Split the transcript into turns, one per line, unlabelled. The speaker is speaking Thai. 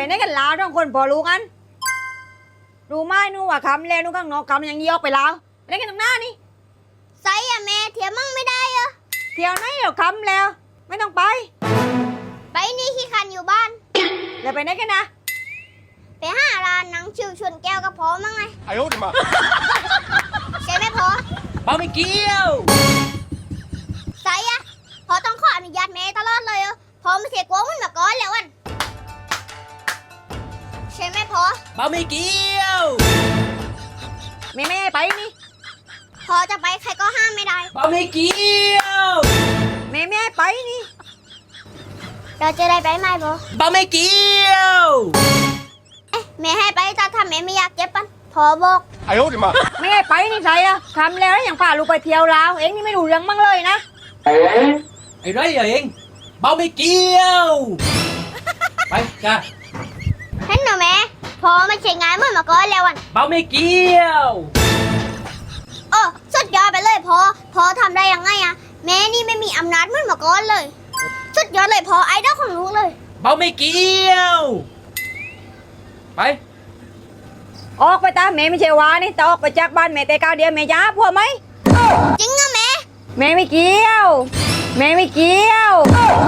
ไหนกันลาวต้องคนพอรู้กันรู้ไหมนู่นว่าคำแล้วนู่นข้างนอกคำยังยกไปแล้วไหนกันตรงหน้านี่
ไซอะแม่เทียมมั่งไม่ได้เหรอ
เที่ยวไหนเดี๋ยวคำแล้ว ไม่ต้องไป
ไปนี่ขี้คันอยู่บ้าน
เดี๋ยวไปไหนกันนะ
ไปหาร้านหนังชิวชวนแก้วกับพอมั่งไง
哎呦我的妈！
ใช่ไหมพอ
เปาไม่เกี่ยว
ไซอะพอต้องขออนุญาตแม่ตลอดเลยเหรอพอไม่เสียกลัวมันมาก่อนแล้วอันใช่ไหมพอ
เปาไม่เกี่ยว
ไม่ให้ไปนี่
พอจะไปใครก็ห้ามไม่ได้
เปาไม่เกี่ยว
ไม่ให้ไปนี่
เราจะได้ไปไหมพอ
เปาไม่เกี่ยว
แม่ให้ไปแต่ถ้าแม่ไม่อยากเจ็บปันพอบอก
哎呦我的妈！
ไม่ให้ไปนี่ใส่อะคำแล้วอย่างพาลูกไปเที่ยวลาวเองนี่ไม่รู้เรื่องมั่งเลยนะ
ไอ้ไรเองเปาไม่เกี่ยว ไปจ้า
เห็นหนูแม่พอไม่ใช่งานเหมื่อนมาก่อนแล้วอัน
เปาไม่เกี่ยว
โอ้สุดยอดไปเลยพอทำได้ยังไงอะแม่นี่ไม่มีอำนาจเหมื่อนมาก่อนเลย สุดยอดเลยพอไอดอลของลูกเลย
เปาไม่เกี่ยว ไป
ออกไปตามแม่ไม่ใช่ว่านี่แต่ออกไปจากบ้านแม่แต่ก้าวเดียวแม่จ้าพวกไหม
จริงอะแม่
แม่ไม่เกี่ยว แม่ไม่เกี่ยว
โ